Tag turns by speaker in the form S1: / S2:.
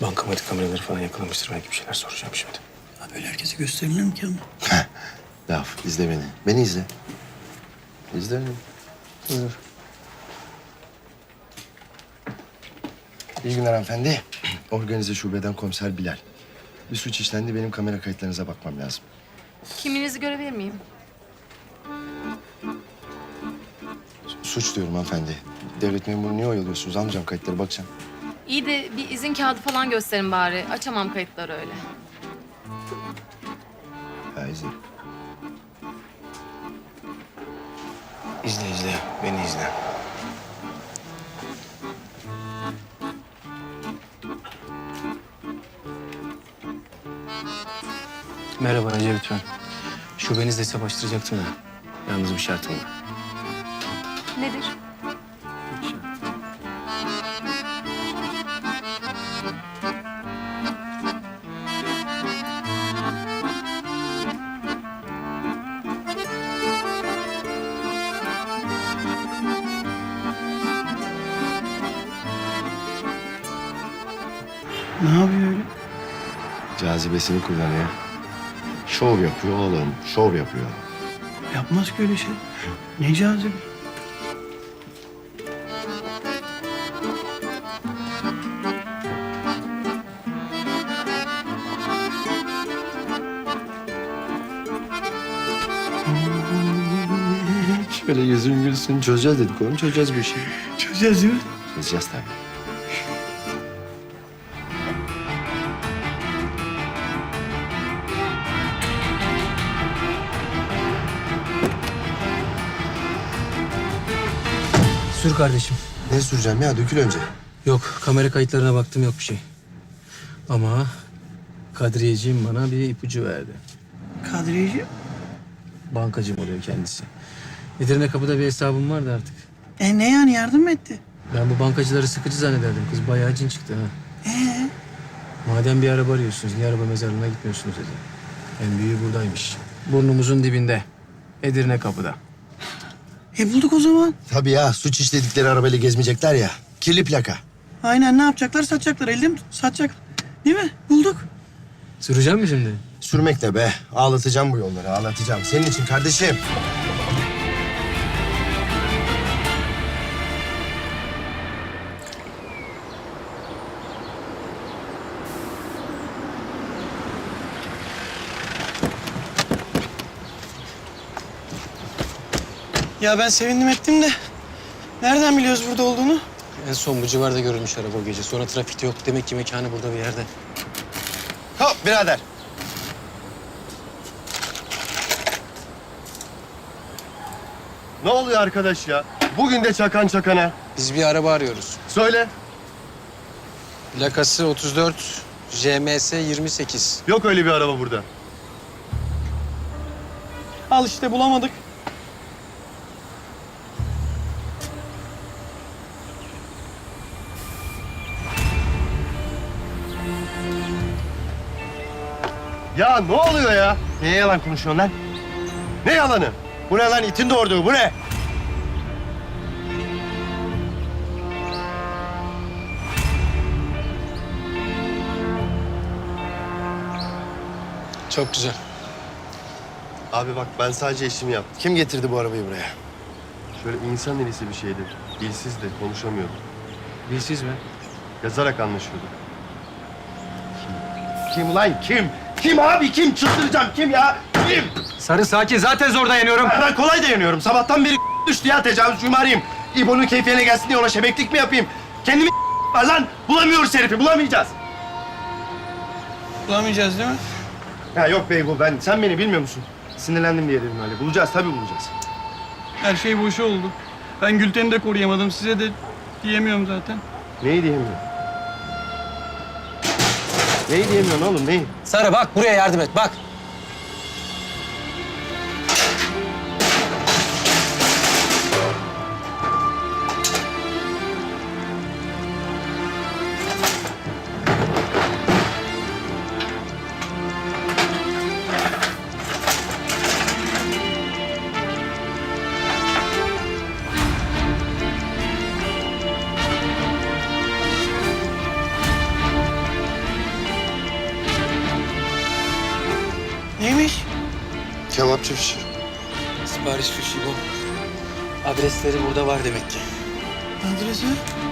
S1: Bankamatik kameraları falan yakalamıştır. Belki bir şeyler soracağım şimdi.
S2: Ya böyle herkese gösterilir mi ki ama?
S3: Laf, izle beni. Beni izle. İzle beni. Buyur. İyi günler hanımefendi. Organize şubeden komiser Bilal. Bir suç işlendi. Benim kamera kayıtlarınıza bakmam lazım.
S4: Kimliğinizi görebilir miyim?
S3: Suç diyorum hanımefendi. Devlet memuru niye oyalıyorsunuz? Almayacağım kayıtları, bakacağım.
S4: İyi de bir izin kağıdı falan gösterin bari. Açamam kayıtları öyle.
S3: Ha, izle.
S1: İzle. Beni izle. Merhaba Recep lütfen. Şubenizle hesap açtıracaktım da. Yalnız bir şartım var.
S4: Nedir?
S2: Ne yapıyor öyle?
S3: Cazibesini kullanıyor. Şov yapıyor oğlum. Şov yapıyor.
S2: Yapmaz ki öyle şey. Ne cazibe.
S3: Şöyle yüzün gülsün. Çözeceğiz dedik oğlum. Çözeceğiz bu işi.
S2: Çözeceğiz değil mi?
S3: Çözeceğiz tabii.
S1: Sür kardeşim.
S3: Ne süreceğim ya? Dökül önce.
S1: Yok, kamera kayıtlarına baktım, yok bir şey. Ama Kadriyeciğim bana bir ipucu verdi.
S2: Kadriyeci.
S1: Bankacım oluyor kendisi. Edirne Kapı'da bir hesabım vardı artık.
S2: Ne yani yardım mı etti?
S1: Ben bu bankacıları sıkıcı zannederdim. Kız bayağı cin çıktı ha. Madem bir araba arıyorsunuz, niye araba mezarlığına gitmiyorsunuz dedi. En büyüğü buradaymış. Burnumuzun dibinde. Edirne Kapı'da.
S2: Bulduk o zaman.
S3: Tabii ya. Suç işledikleri arabayla gezmeyecekler ya. Kirli plaka.
S2: Aynen ne yapacaklar? Satacaklar. Elde mi satacak? Değil mi? Bulduk.
S1: Süreceğim mi şimdi?
S3: Sürmek ne be? Ağlatacağım bu yolları, ağlatacağım. Senin için kardeşim.
S2: Ya ben sevindim ettim de. Nereden biliyoruz burada olduğunu?
S1: En son bu civarda görülmüş araba o gece. Sonra trafikte yok. Demek ki mekanı burada bir yerde.
S3: Hop birader. Ne oluyor arkadaş ya? Bugün de çakan çakana.
S1: Biz bir araba arıyoruz.
S3: Söyle.
S1: Plakası 34, JMS 28.
S3: Yok öyle bir araba burada.
S2: Al işte bulamadık.
S3: Ya ne oluyor ya? Neye yalan konuşuyorsun lan? Ne yalanı? Bu ne lan? İtin doğurduğu bu ne?
S1: Çok güzel.
S3: Abi bak ben sadece işimi yaptım. Kim getirdi bu arabayı buraya? Şöyle insan elisi bir şeydi. Dilsizdi, konuşamıyordu.
S1: Dilsiz mi?
S3: Yazarak anlaşıyordu. Kim ulan kim? Kim abi kim? Çıldıracağım kim ya? Kim?
S1: Sarı sakin. Zaten zor dayanıyorum.
S3: Ben kolay dayanıyorum. Sabahtan beri düştü ya tecavüzcüyümü arayayım. İbo'nun keyfine gelsin diye ona şebeklik mi yapayım? Kendimi var lan. Bulamıyoruz herifi, bulamayacağız.
S2: Bulamayacağız değil mi?
S3: Ya yok Beygo sen beni bilmiyor musun? Sinirlendim diye dedim öyle. Bulacağız tabii bulacağız.
S2: Her şey boşa oldu. Ben Gülten'i de koruyamadım. Size de diyemiyorum zaten.
S3: Neyi diyemiyorum? Neyi diyemiyorsun oğlum neyi?
S1: Sarı bak buraya yardım et bak.
S3: Kebapçı fişi.
S1: Sipariş fişi bu. Adresleri burada var demek ki.
S2: Adresi?